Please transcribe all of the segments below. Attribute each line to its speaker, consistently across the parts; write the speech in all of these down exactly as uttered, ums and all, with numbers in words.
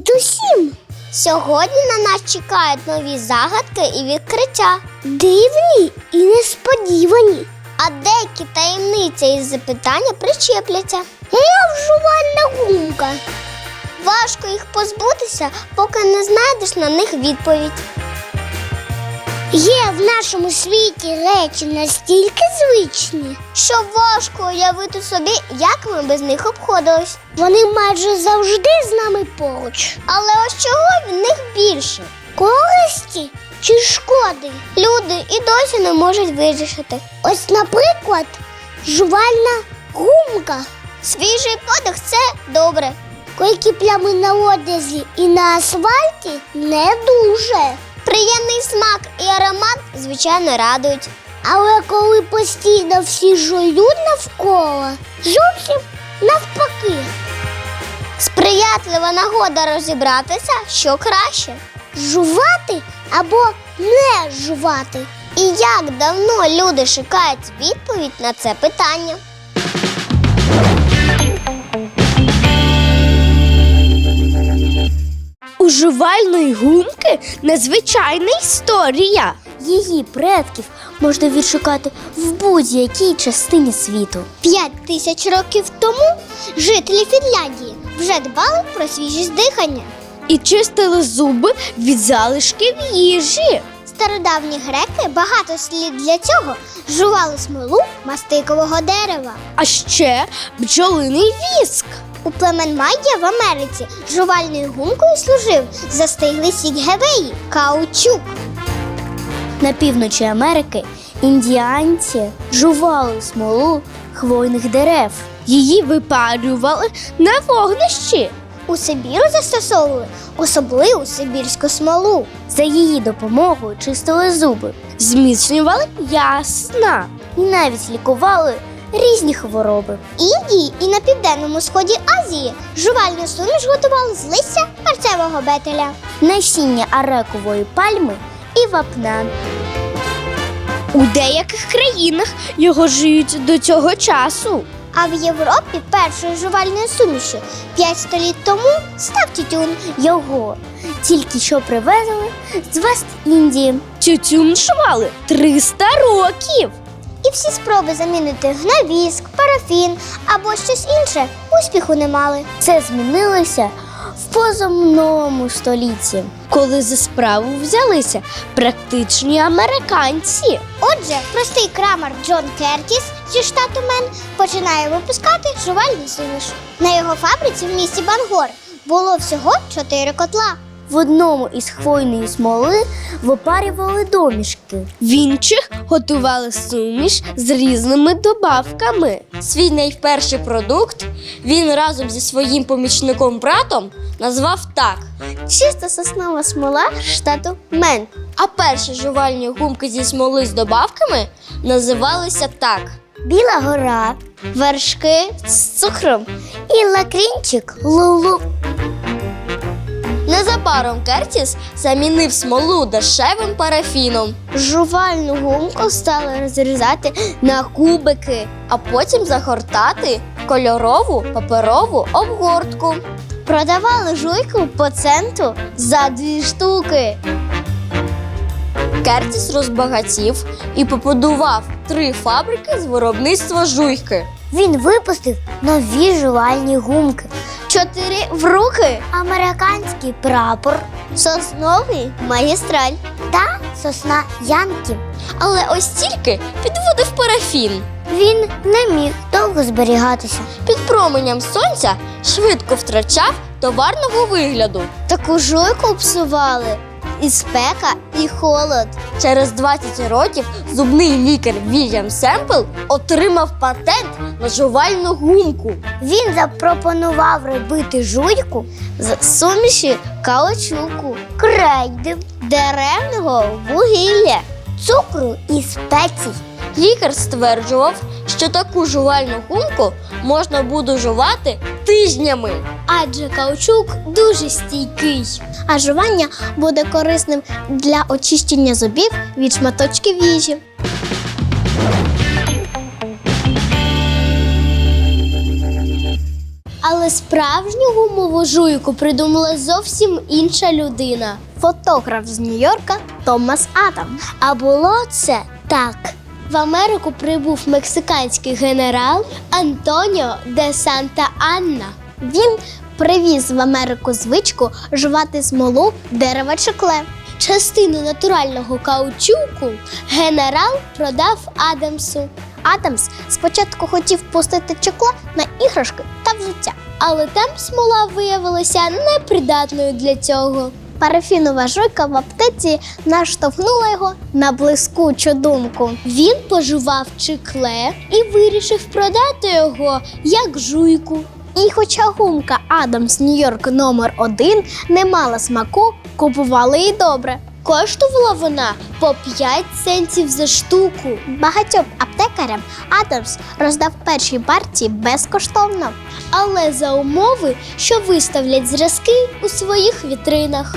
Speaker 1: Привіт усім! Сьогодні на нас чекають нові загадки і відкриття. Дивні і несподівані. А деякі таємниці і запитання причепляться. Мов жувальна гумка. Важко їх позбутися, поки не знайдеш на них відповідь. Є в нашому світі речі настільки звичні, що важко уявити собі, як ми без них обходились. Вони майже завжди з нами поруч. Але ось чого в них більше? Користі чи шкоди? Люди і досі не можуть вирішити. Ось, наприклад, жувальна гумка. Свіжий подих – це добре. Койкі плями на одязі і на асфальті – не дуже. Приємний смак і аромат, звичайно, радують. Але коли постійно всі жують навколо, зовсім навпаки. Сприятлива нагода розібратися, що краще – жувати або не жувати. І як давно люди шукають відповідь на це питання.
Speaker 2: У жувальної гумки незвичайна історія.
Speaker 1: Її предків можна відшукати в будь-якій частині світу. П'ять тисяч років тому жителі Фінляндії вже дбали про свіжість дихання.
Speaker 2: І чистили зуби від залишків їжі.
Speaker 1: Стародавні греки багато слід для цього жували смолу мастикового дерева.
Speaker 2: А ще бджолиний віск.
Speaker 1: У племен Майя в Америці жувальною гумкою служив застиглий сік гевеї – каучук. На півночі Америки індіанці жували смолу хвойних дерев.
Speaker 2: Її випарювали на вогнищі.
Speaker 1: У Сибіру застосовували особливу сибірську смолу. За її допомогою чистили зуби,
Speaker 2: Зміцнювали ясна.
Speaker 1: і навіть лікували різні хвороби. В Індії і на південному сході Азії жувальну суміш готували з листя перцевого бетеля, насіння арекової пальми і вапна.
Speaker 2: У деяких країнах його жують до цього часу.
Speaker 1: А в Європі першою жувальною сумішю п'ять століть тому став тютюн. Його тільки що привезли з Вест-Індії.
Speaker 2: Тютюн жували триста років.
Speaker 1: І всі спроби замінити на віск, парафін або щось інше успіху не мали. Це змінилося в позаминулому столітті.
Speaker 2: Коли за справу взялися практичні американці.
Speaker 1: Отже, простий крамар Джон Кертіс зі штату Мен починає випускати жувальну суміш. На його фабриці в місті Бангор було всього чотири котла. В одному із хвойної смоли випарювали домішки.
Speaker 2: В інших готували суміш з різними добавками.
Speaker 3: Свій найперший продукт він разом зі своїм помічником-братом назвав так.
Speaker 1: Чиста соснова смола штату Мен.
Speaker 3: А перші жувальні гумки зі смоли з добавками називалися так.
Speaker 1: Біла гора, вершки з цукром і лакрінчик Лулу.
Speaker 3: Незабаром Кертіс замінив смолу дешевим парафіном,
Speaker 1: Жувальну гумку стали розрізати на кубики.
Speaker 3: а потім загортати в кольорову паперову обгортку.
Speaker 1: Продавали жуйку по центу за дві штуки.
Speaker 3: Кертіс розбагатів і побудував три фабрики з виробництва жуйки.
Speaker 1: Він випустив нові жувальні гумки. Чотири в руки, американський прапор, сосновий магістраль та сосна Янки.
Speaker 3: Але ось тільки підводив парафін.
Speaker 1: Він не міг довго зберігатися.
Speaker 3: Під променем сонця швидко втрачав товарного вигляду.
Speaker 1: Таку жуйку псували і спека, і холод.
Speaker 3: Через двадцять років зубний лікар Вільям Семпл отримав патент на жувальну гумку.
Speaker 1: Він запропонував робити жуйку з суміші каучуку, крейди, деревного вугілля, цукру і спецій.
Speaker 3: Лікар стверджував, що таку жувальну гумку можна буде жувати тижнями.
Speaker 1: Адже каучук дуже стійкий. А жування буде корисним для очищення зубів від шматочків їжі.
Speaker 2: Але справжню гумову жуйку придумала зовсім інша людина.
Speaker 1: Фотограф з Нью-Йорка Томас Адам. А було це так.
Speaker 2: В Америку прибув мексиканський генерал Антоніо де Санта-Анна.
Speaker 1: Він привіз в Америку звичку жувати смолу дерева чекле.
Speaker 2: Частину натурального каучуку генерал продав Адамсу.
Speaker 1: Адамс спочатку хотів пустити чекло на іграшки та взуття.
Speaker 2: Але там смола виявилася непридатною для цього.
Speaker 1: Парафінова жуйка в аптеці наштовхнула його на блискучу думку.
Speaker 2: Він пожував чекле і вирішив продати його як жуйку.
Speaker 1: І хоча гумка Адамс Нью-Йорк номер один не мала смаку, купували її добре.
Speaker 2: Коштувала вона по п'ять центів за штуку.
Speaker 1: Багатьом аптекарям Адамс роздав перші партії безкоштовно.
Speaker 2: Але за умови, що виставлять зразки у своїх вітринах.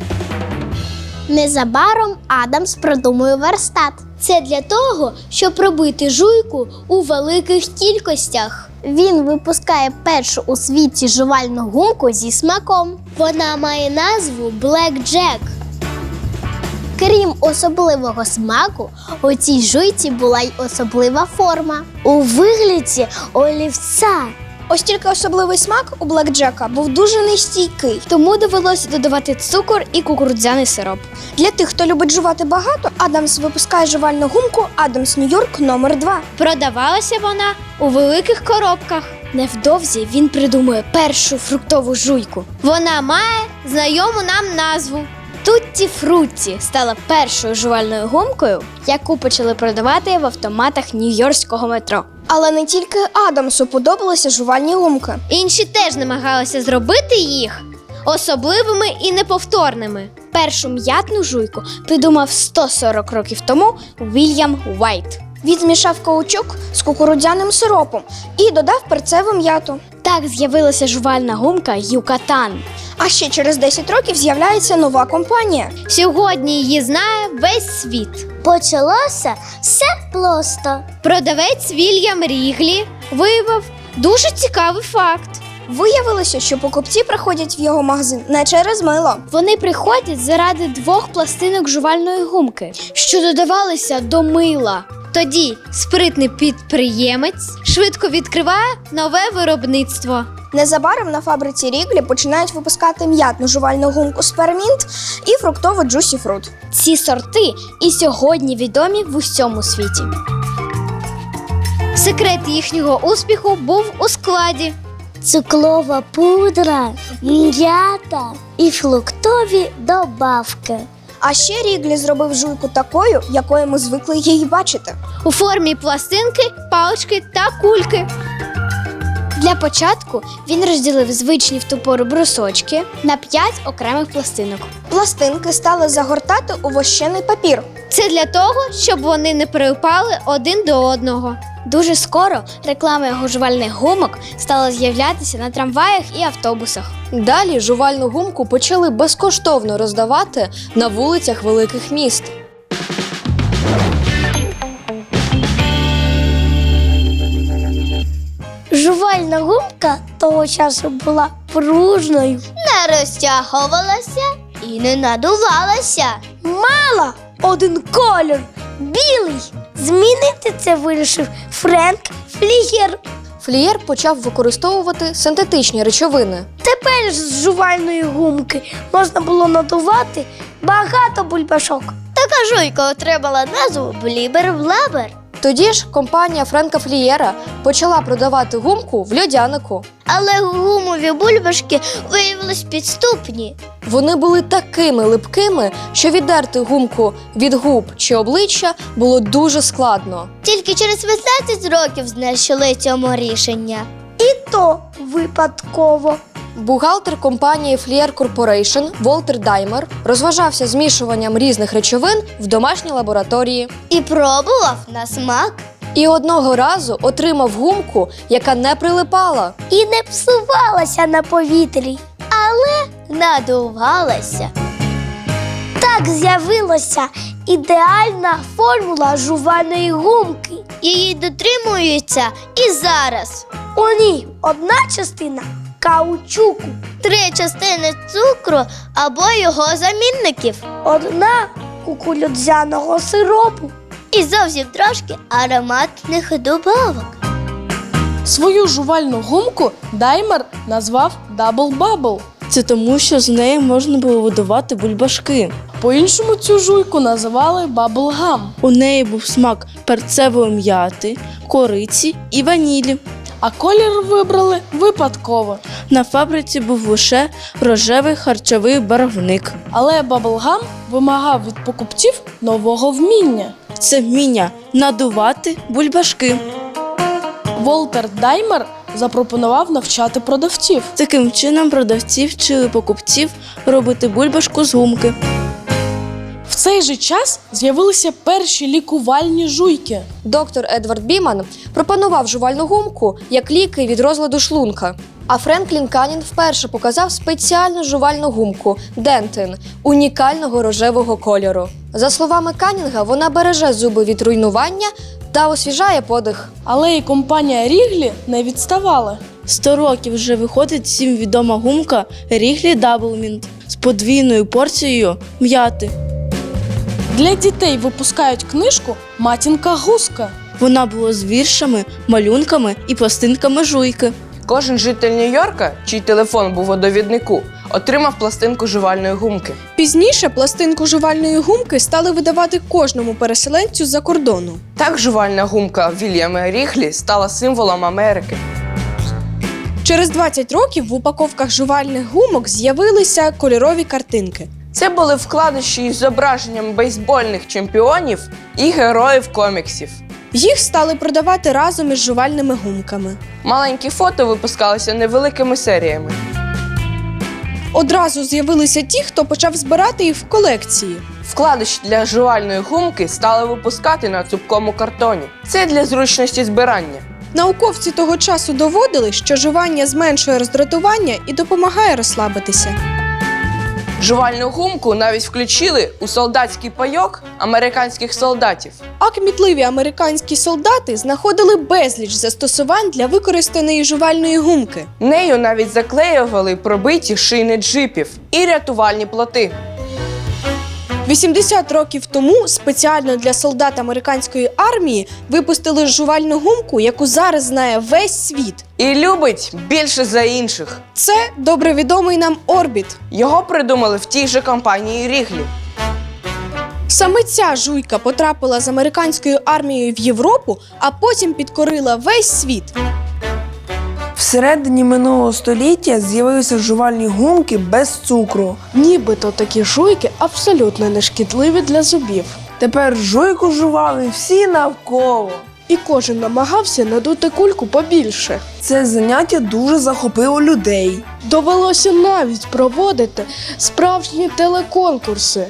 Speaker 1: Незабаром Адамс продумує верстат.
Speaker 2: Це для того, щоб робити жуйку у великих кількостях.
Speaker 1: Він випускає першу у світі жувальну гумку зі смаком.
Speaker 2: Вона має назву Black Jack.
Speaker 1: Крім особливого смаку, у цій жуйці була й особлива форма. У вигляді олівця.
Speaker 4: Ось тільки особливий смак у блекджека був дуже нестійкий.
Speaker 2: Тому довелося додавати цукор і кукурудзяний сироп.
Speaker 4: Для тих, хто любить жувати багато, Адамс випускає жувальну гумку Адамс Нью-Йорк номер два.
Speaker 2: Продавалася вона у великих коробках. Невдовзі він придумує першу фруктову жуйку. Вона має знайому нам назву. Тутті Фрутті стала першою жувальною гумкою, яку почали продавати в автоматах нью-йоркського метро.
Speaker 4: Але не тільки Адамсу подобалися жувальні гумки.
Speaker 2: Інші теж намагалися зробити їх особливими і неповторними. Першу м'ятну жуйку придумав сто сорок років тому Вільям Уайт.
Speaker 4: Він змішав каучук з кукурудзяним сиропом і додав перцеву м'яту.
Speaker 2: Так з'явилася жувальна гумка Юкатан.
Speaker 4: А ще через десять років з'являється нова компанія.
Speaker 2: Сьогодні її знає весь світ.
Speaker 1: Почалося все просто.
Speaker 2: Продавець Вільям Ріглі виявив дуже цікавий факт.
Speaker 4: Виявилося, що покупці приходять в його магазин не через мило.
Speaker 2: Вони приходять заради двох пластинок жувальної гумки, що додавалися до мила. Тоді спритний підприємець швидко відкриває нове виробництво.
Speaker 4: Незабаром на фабриці Ріглі починають випускати м'ятну жувальну гумку Спармінт і фруктову Джусі Фрут.
Speaker 2: Ці сорти і сьогодні відомі в усьому світі. Секрет їхнього успіху був у складі.
Speaker 1: Цукрова пудра, м'ята і фруктові добавки.
Speaker 4: А ще Ріглі зробив жуйку такою, якою ми звикли її бачити.
Speaker 2: У формі пластинки, палички та кульки. Для початку він розділив звичні в ту пору брусочки на п'ять окремих пластинок.
Speaker 4: Пластинки стали загортати у вощений папір.
Speaker 2: Це для того, щоб вони не прилипали один до одного. Дуже скоро реклама його жувальних гумок стала з'являтися на трамваях і автобусах.
Speaker 5: Далі жувальну гумку почали безкоштовно роздавати на вулицях великих міст.
Speaker 1: Жувальна гумка того часу була пружною.
Speaker 2: Не розтягувалася і не надувалася.
Speaker 1: Мала один колір – білий. Змінити це вирішив Френк Флігер.
Speaker 5: Флієр почав використовувати синтетичні речовини.
Speaker 1: Тепер з жувальної гумки можна було надувати багато бульбашок.
Speaker 2: Така жуйка отримала назву Блібер-Блабер.
Speaker 5: Тоді ж компанія Френка Флієра почала продавати гумку в льодянику.
Speaker 2: Але гумові бульбашки виявились підступні.
Speaker 5: Вони були такими липкими, що віддерти гумку від губ чи обличчя було дуже складно.
Speaker 2: Тільки через вісімнадцять років знайшли цьому рішення.
Speaker 1: І то випадково.
Speaker 5: Бухгалтер компанії Флієр Корпорейшн Волтер Даймер розважався змішуванням різних речовин в домашній лабораторії.
Speaker 2: І пробував на смак.
Speaker 5: І одного разу отримав гумку, яка не прилипала.
Speaker 1: І не псувалася на повітрі.
Speaker 2: Надувалася.
Speaker 1: Так з'явилася ідеальна формула жувальної гумки.
Speaker 2: Її дотримуються і зараз.
Speaker 1: У ній одна частина каучуку. Три частини цукру або його замінників. Одна кукурудзяного сиропу. І зовсім трошки ароматних добавок.
Speaker 6: Свою жувальну гумку Даймер назвав Double Bubble.
Speaker 7: Це тому, що з неї можна було видавати бульбашки.
Speaker 6: По-іншому цю жуйку називали Bubble Gum.
Speaker 7: У неї був смак перцевої м'яти, кориці і ванілі.
Speaker 6: А колір вибрали випадково.
Speaker 7: На фабриці був лише рожевий харчовий барвник.
Speaker 6: Але Bubble Gum вимагав від покупців нового вміння.
Speaker 7: Це вміння надувати бульбашки.
Speaker 6: Волтер Даймер запропонував навчати продавців.
Speaker 7: Таким чином продавці вчили покупців робити бульбашку з гумки.
Speaker 6: В цей же час з'явилися перші лікувальні жуйки.
Speaker 5: Доктор Едвард Біман пропонував жувальну гумку як ліки від розладу шлунка. А Френклін Канін вперше показав спеціальну жувальну гумку Дентин унікального рожевого кольору. За словами Канінга, вона береже зуби від руйнування та освіжає подих.
Speaker 6: Але і компанія Ріглі не відставала.
Speaker 7: Сто років вже виходить всім відома гумка Ріглі Даблмінт з подвійною порцією м'яти.
Speaker 6: Для дітей випускають книжку «Матінка гуска».
Speaker 7: Вона була з віршами, малюнками і пластинками жуйки.
Speaker 8: Кожен житель Нью-Йорка, чий телефон був у довіднику, отримав пластинку жувальної гумки.
Speaker 4: Пізніше пластинку жувальної гумки стали видавати кожному переселенцю з-за кордону.
Speaker 8: Так жувальна гумка Вільяма Ріглі стала символом Америки.
Speaker 4: Через двадцять років в упаковках жувальних гумок з'явилися кольорові картинки.
Speaker 8: Це були вкладиші із зображенням бейсбольних чемпіонів і героїв коміксів.
Speaker 4: Їх стали продавати разом із жувальними гумками.
Speaker 8: Маленькі фото випускалися невеликими серіями.
Speaker 4: Одразу з'явилися ті, хто почав збирати їх в колекції.
Speaker 8: Вкладиші для жувальної гумки стали випускати на цупкому картоні. Це для зручності збирання.
Speaker 4: Науковці того часу доводили, що жування зменшує роздратування і допомагає розслабитися.
Speaker 8: Жувальну гумку навіть включили у солдатський пайок американських солдатів.
Speaker 4: А кмітливі американські солдати знаходили безліч застосувань для використаної жувальної гумки.
Speaker 8: Нею навіть заклеювали пробиті шини джипів і рятувальні плоти.
Speaker 4: вісімдесят років тому спеціально для солдат американської армії випустили жувальну гумку, яку зараз знає весь світ.
Speaker 8: І любить більше за інших.
Speaker 4: Це добре відомий нам Орбіт.
Speaker 8: Його придумали в тій же компанії Ріглі.
Speaker 4: Саме ця жуйка потрапила з американською армією в Європу, а потім підкорила весь світ.
Speaker 9: Всередині минулого століття з'явилися жувальні гумки без цукру.
Speaker 6: Нібито такі жуйки абсолютно не шкідливі для зубів.
Speaker 9: Тепер жуйку жували всі навколо.
Speaker 6: І кожен намагався надути кульку побільше.
Speaker 9: Це заняття дуже захопило людей.
Speaker 6: Довелося навіть проводити справжні телеконкурси.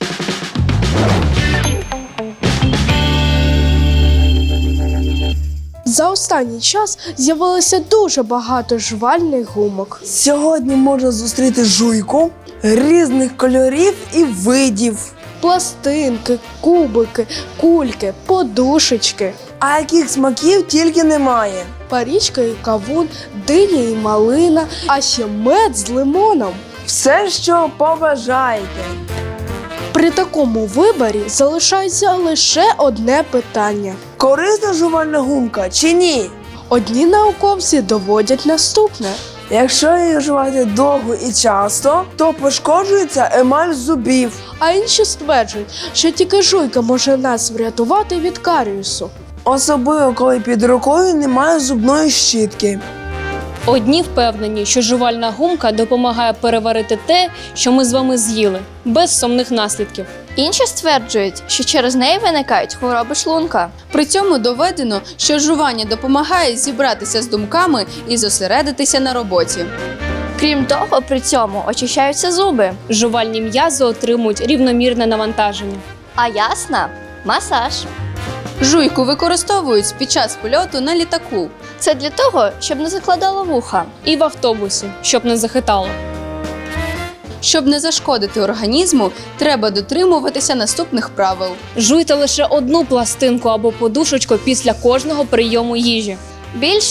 Speaker 6: За останній час з'явилося дуже багато жувальних гумок.
Speaker 9: Сьогодні можна зустріти жуйку різних кольорів і видів.
Speaker 6: Пластинки, кубики, кульки, подушечки.
Speaker 9: А яких смаків тільки немає.
Speaker 6: Парічка і кавун, диня і малина, а ще мед з лимоном.
Speaker 9: Все, що побажаєте.
Speaker 6: При такому виборі залишається лише одне питання.
Speaker 9: Корисна жувальна гумка чи ні?
Speaker 6: Одні науковці доводять наступне.
Speaker 9: Якщо її вживати довго і часто, то пошкоджується емаль зубів.
Speaker 6: А інші стверджують, що тільки жуйка може нас врятувати від каріусу.
Speaker 9: Особливо, коли під рукою немає зубної щітки.
Speaker 10: Одні впевнені, що жувальна гумка допомагає переварити те, що ми з вами з'їли, без сумних наслідків.
Speaker 11: Інші стверджують, що через неї виникають хвороби шлунка.
Speaker 12: При цьому доведено, що жування допомагає зібратися з думками і зосередитися на роботі.
Speaker 11: Крім того, при цьому очищаються зуби.
Speaker 10: Жувальні м'язи отримують рівномірне навантаження.
Speaker 11: А ясна – масаж.
Speaker 12: Жуйку використовують під час польоту на літаку.
Speaker 11: Це для того, щоб не закладало вуха.
Speaker 10: І в автобусі, щоб не захитало.
Speaker 12: Щоб не зашкодити організму, треба дотримуватися наступних правил.
Speaker 10: Жуйте лише одну пластинку або подушечку після кожного прийому їжі.
Speaker 11: Більше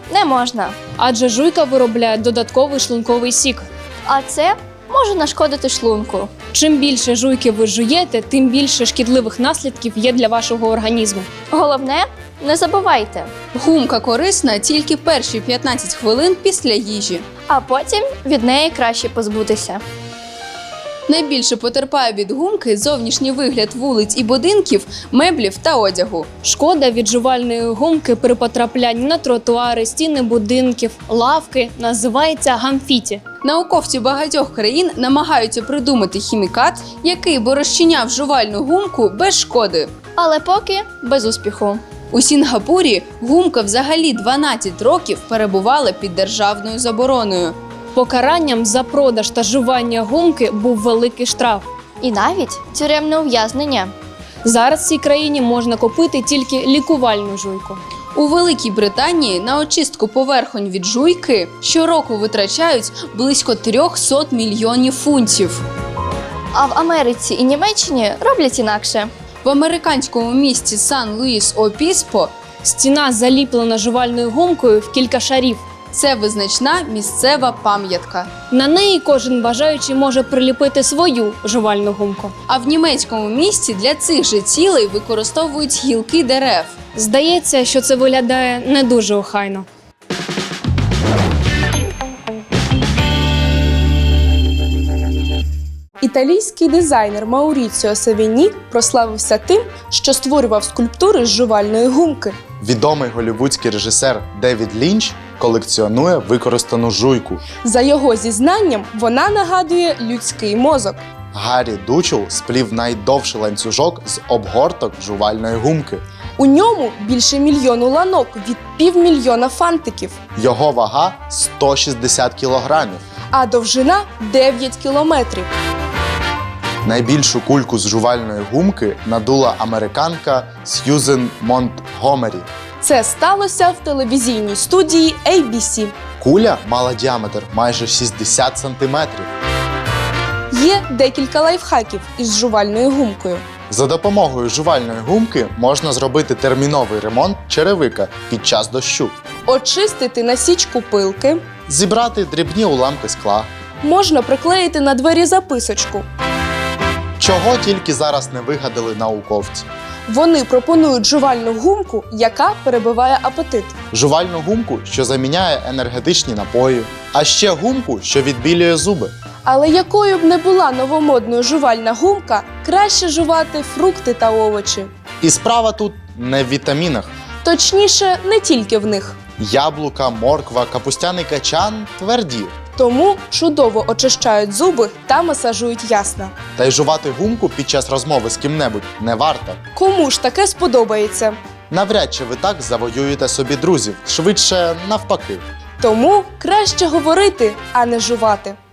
Speaker 11: Не можна.
Speaker 10: Адже жуйка виробляє додатковий шлунковий сік.
Speaker 11: А це може нашкодити шлунку.
Speaker 10: Чим більше жуйки ви жуєте, тим більше шкідливих наслідків є для вашого організму.
Speaker 11: Головне, не забувайте.
Speaker 12: Гумка корисна тільки перші п'ятнадцять хвилин після їжі.
Speaker 11: А потім від неї краще позбутися.
Speaker 12: Найбільше потерпає від гумки зовнішній вигляд вулиць і будинків, меблів та одягу.
Speaker 10: Шкода від жувальної гумки при потрапленні на тротуари, стіни будинків, лавки називається гамфіті.
Speaker 12: Науковці багатьох країн намагаються придумати хімікат, який би розчиняв жувальну гумку без шкоди.
Speaker 11: Але поки без успіху.
Speaker 12: У Сінгапурі гумка взагалі дванадцять років перебувала під державною забороною.
Speaker 10: Покаранням за продаж та жування гумки був великий штраф.
Speaker 11: І навіть тюремне ув'язнення.
Speaker 10: Зараз в цій країні можна купити тільки лікувальну жуйку.
Speaker 12: У Великій Британії на очистку поверхонь від жуйки щороку витрачають близько триста мільйонів фунтів.
Speaker 11: А в Америці і Німеччині роблять інакше.
Speaker 12: В американському місті Сан-Луїс-Обіспо
Speaker 10: Стіна заліплена жувальною гумкою в кілька шарів.
Speaker 12: це визначна місцева пам'ятка.
Speaker 10: На неї кожен бажаючий може приліпити свою жувальну гумку.
Speaker 12: А в німецькому місті для цих же цілей використовують гілки дерев.
Speaker 10: Здається, що це виглядає не дуже охайно.
Speaker 6: Італійський дизайнер Мауріціо Савіні прославився тим, що створював скульптури з жувальної гумки.
Speaker 13: Відомий голлівудський режисер Девід Лінч колекціонує використану жуйку.
Speaker 6: За його зізнанням, вона нагадує людський мозок.
Speaker 13: Гаррі Дучел сплів найдовший ланцюжок з обгорток жувальної гумки.
Speaker 6: У ньому більше мільйону ланок від півмільйона фантиків,
Speaker 13: Його вага сто шістдесят кілограмів.
Speaker 6: а довжина дев'ять кілометрів.
Speaker 13: Найбільшу кульку з жувальної гумки надула американка Сьюзен Монтгомері.
Speaker 6: Це сталося в телевізійній студії ей бі сі.
Speaker 13: Куля мала діаметр майже шістдесят сантиметрів.
Speaker 6: Є декілька лайфхаків із жувальною гумкою.
Speaker 13: За допомогою жувальної гумки можна зробити терміновий ремонт черевика під час дощу.
Speaker 6: Очистити насічку пилки.
Speaker 13: Зібрати дрібні уламки скла.
Speaker 6: Можна приклеїти на двері записочку.
Speaker 13: Чого тільки зараз не вигадали науковці.
Speaker 6: Вони пропонують жувальну гумку, яка перебиває апетит.
Speaker 13: Жувальну гумку, що заміняє енергетичні напої. А ще гумку, що відбілює зуби.
Speaker 6: Але якою б не була новомодною жувальна гумка, краще жувати фрукти та овочі.
Speaker 13: І справа тут не в вітамінах.
Speaker 6: Точніше, не тільки в них.
Speaker 13: Яблука, морква, капустяний качан тверді.
Speaker 6: Тому чудово очищають зуби та масажують ясна.
Speaker 13: Та й жувати гумку під час розмови з ким-небудь не варто.
Speaker 6: Кому ж таке сподобається?
Speaker 13: Навряд чи ви так завоюєте собі друзів, швидше навпаки.
Speaker 6: Тому краще говорити, а не жувати.